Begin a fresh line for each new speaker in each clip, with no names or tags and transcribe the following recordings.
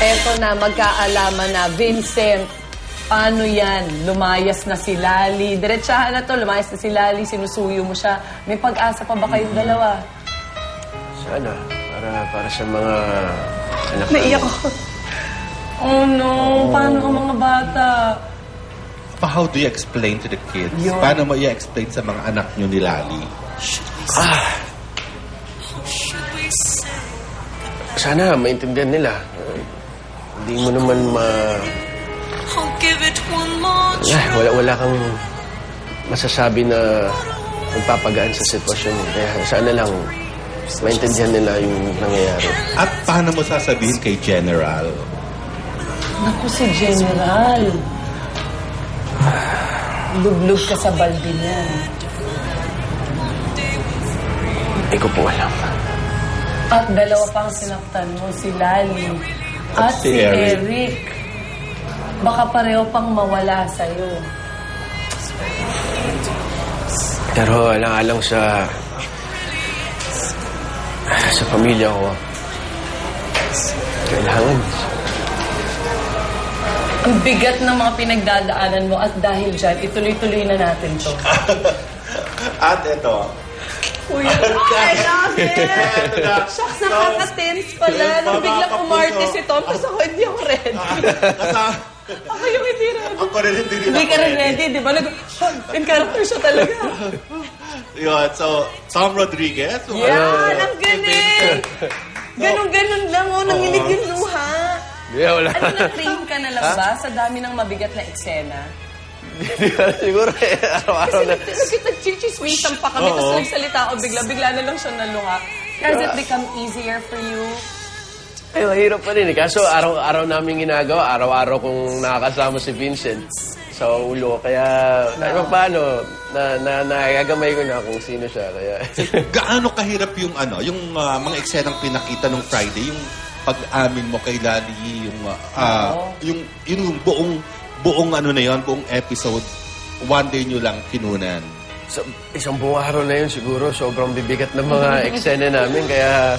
Eto na, magkaalaman na. Vincent, paano yan? Lumayas na si Lali. Diretsahan na to, lumayas na si Lali, sinusuyo mo siya. May pag-asa pa ba kayong dalawa?
Sana. Para sa mga anak
Naiyak ako. Oh no, paano ang mga bata?
How do you explain to the kids?
Yun.
Paano mo i-explain sa mga anak nyo ni Lali?
Sana maintindihan nila. Hindi mo naman wala kang masasabi na magpapagaan sa sitwasyon mo. Kaya sana lang maintindihan nila yung nangyayari.
At paano mo sasabihin kay General?
Naku, si General. Lublog ka sa balde niya.
Hindi ko po alam.
At dalawa pang sinaktan mo, si Lali at si Eric. Baka pareho pang mawala sa'yo.
Pero alang-alang sa pamilya ko, kailangan.
Ang bigat ng mga pinagdadaanan mo at dahil dyan, ituloy-tuloy na natin to.
At ito.
Uy, I love it! Shucks, nakaka-tense pala. Nung biglang umarte si Tom, kasi ako hindi ako ready. Ako yung hindi ready.
Ako rin hindi
Hindi ka rin ready, di ba? In character siya talaga.
Yun, so, Tom Rodriguez.
Yan, ang galing! Ganon-ganon lang, oh, nanginig yung luha.
Yeah, wala.
Ano, na-train ka na lang ba sa dami ng mabigat na eksena?
Siguro araw-araw na.
Kasi nag-chichismisan pa kami, tapos nagsalita ako bigla na lang siya nalunga. Has it become easier for you?
Ay, mahirap pa rin eh. Kaso araw-araw namin ginagawa, araw-araw kong nakakasama si Vincent sa ulo. Kaya, kahit pa paano, nagagamay ko na kung sino siya. Kaya,
Gaano kahirap yung mga eksenang pinakita nung Friday, yung pag-amin mo kay Lali, yung buong ano na yon, buong episode, one day nyo lang kinunan.
so, isang buong araw na yun siguro, sobrang bibigat ng mga eksena namin. Kaya,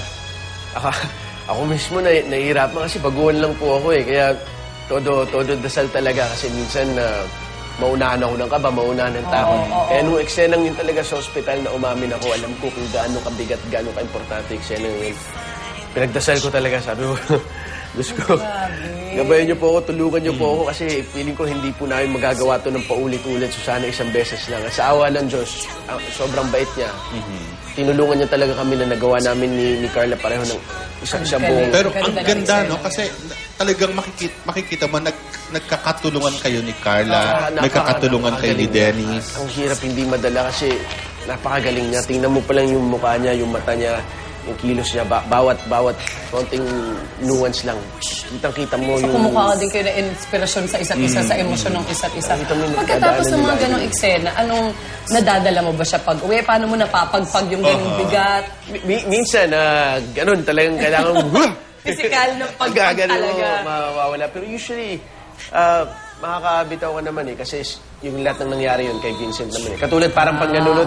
ako mismo nahihirapan kasi baguhan lang po ako eh. Kaya, todo dasal talaga kasi minsan maunahan ako ng kaba, maunahan ng takot. Kaya nung eksenang yun talaga sa ospital na umamin ako, alam ko kung gaano kabigat, gaano ka-importante eksenang yun. Pinagdasal ko talaga, sabi ko, Diyos ko, gabayan niyo po ako, tulungan niyo po ako kasi feeling ko hindi po namin magagawa to ng paulit-ulit. So sana isang beses lang. At sa awa ng Diyos, sobrang bait niya. Tinulungan niya talaga kami na nagawa namin ni Carla pareho ng isang buong...
Pero ang ganda, no? Kasi talagang makikita mo, nagkakatulungan kayo ni Carla, nagkakatulungan kayo ni Dennis.
Ang hirap hindi madala kasi napakagaling niya. Tingnan mo pa lang yung mukha niya, yung mata niya, yung kilos niya, bawat konting nuance lang. Kitang-kita mo
So,
yung...
kumukha ka din kayo na inspirasyon sa isa't isa, sa emosyon ng isa't isa.
Nakita mo yung
Pagkatapos ng mga
nagdadaanan
ganong eksena, anong nadadala mo ba siya pag-uwi? Paano mo napapagpag yung ganong bigat?
Minsan, ganun, talagang kailangan mo...
Physical na pagpag talaga.
Mawawala. Pero usually, makakabitaw ka naman eh. Kasi yung lahat ng nangyari yun kay Vincent naman eh. Katulad parang pag nanonood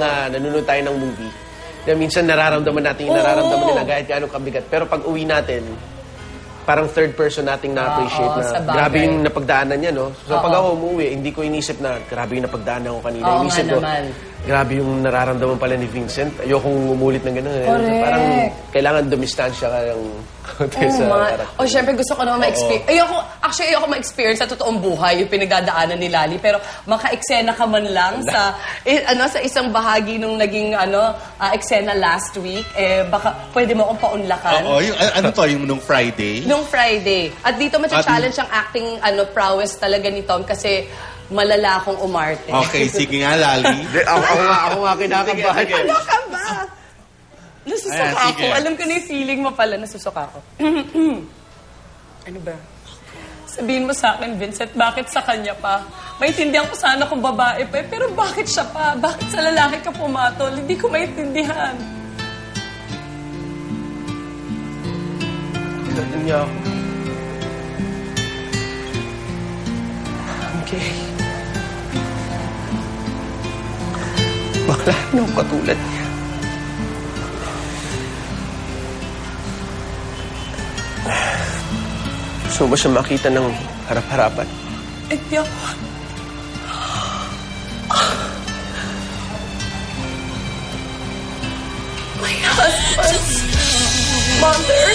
tayo ng movie, na minsan nararamdaman natin yung nararamdaman nila kahit gaano kabigat. Pero pag uwi natin, parang third person nating na-appreciate
sa
na
bagay.
grabe yung napagdaanan niya, no? So pag ako umuwi, hindi ko inisip na grabe yung napagdaanan ko kanina.
Oo
Inisip
nga
ko,
naman.
grabe yung nararamdaman pala ni Vincent. Ayokong umulit ng gano'n.
Correct.
Parang kailangan dumistansya ka ng konti sa karakter.
Syempre gusto ko naman ma-experience. Ayoko ma-experience sa totoong buhay yung pinagdadaanan ni Lali. Pero maka-eksena ka man lang sa isang bahagi nung naging eksena last week, baka pwede mo akong paunlakan.
Oo, yung nung Friday?
Nung Friday. At dito matcha-challenge ang acting prowess talaga ni Tom kasi malala akong umarte.
Okay, sige nga, Lali.
Ako nga kinakabahan.
Ano ka ba? Nasusuka
Ayan,
ako.
sige.
Alam ko na yung feeling mo pala. Nasusuka ako. Ano ba? Sabihin mo sa akin, Vincent, bakit sa kanya pa? Maintindihan ko sana kung babae pa, pero bakit siya pa? Bakit sa lalaki ka pumatol? Hindi ko maintindihan.
Ganun niya ako. Okay. Bakla nung katulad niya. Gusto mo ba siya makita ng harap-harapan?
Hindi ako. My husband's mother.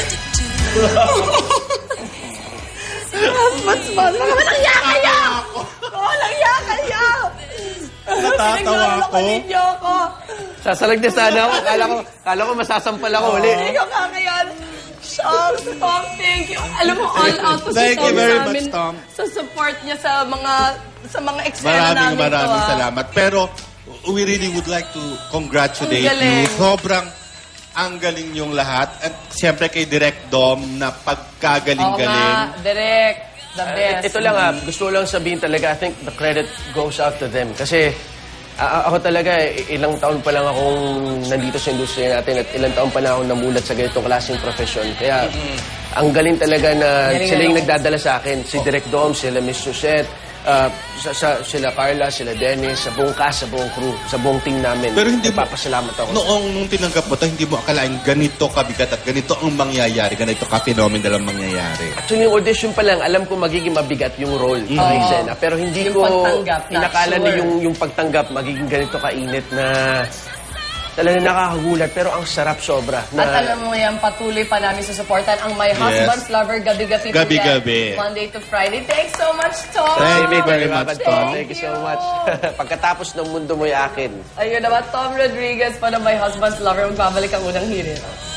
My husband's mother. Langya kaya! Oo, langya kaya!
Natatawa
Pinagloloko
ko.
ninyo ako.
Sasalag na sana ako. Kala ko masasampal ako uli.
Hindi ko kakayan. Shucks, Tom, thank you. Alam mo, all out to si
Thank
Tom
you very
sa amin.
much, Tom.
Sa support niya sa mga eksena namin
Maraming
to,
salamat. Pero we really would like to congratulate
Ang galing.
you. Sobrang ang galing yung lahat. At siyempre kay Direk Dom na
Oo nga,
pagkagaling-galing.
direct. The best.
Ito lang gusto ko lang sabihin talaga, I think the credit goes out to them. Kasi ako talaga, ilang taon pa lang akong nandito sa industriya natin at ilang taon pa na akong namulat sa ganitong klaseng profesyon. Kaya ang galing talaga na
Galing
sila yung
na
nagdadala sa akin. Si Direk Dom, sila Miss Susette, sila Carla, sila Dennis, sa buong cast, sa buong crew, sa buong team namin.
Pero hindi mo-
Nagpapasalamat ako.
Nung tinanggap mo ito, hindi mo akalain ganito kabigat at ganito ang mangyayari, ganito ka-phenomenal ang mangyayari.
Actually, yung audition pa lang, alam ko magiging mabigat yung role ng eksena. Pero hindi
Yung
ko
pagtanggap, not
inakala na
sure.
yung pagtanggap magiging ganito kainit na talaga nakakagulat. Pero ang sarap sobra.
At alam mo yan, patuloy pa namin susuportan ang My Husband's Lover gabi-gabi. po
Gabi-gabi.
yan, Monday to Friday. Thanks so much, Tom.
Thank you very much, Tom.
Thank you so much. Pagkatapos ng mundo mo'y akin.
Ayun naman, Tom Rodriguez pa ng My Husband's Lover. Magbabalik ang unang hirit.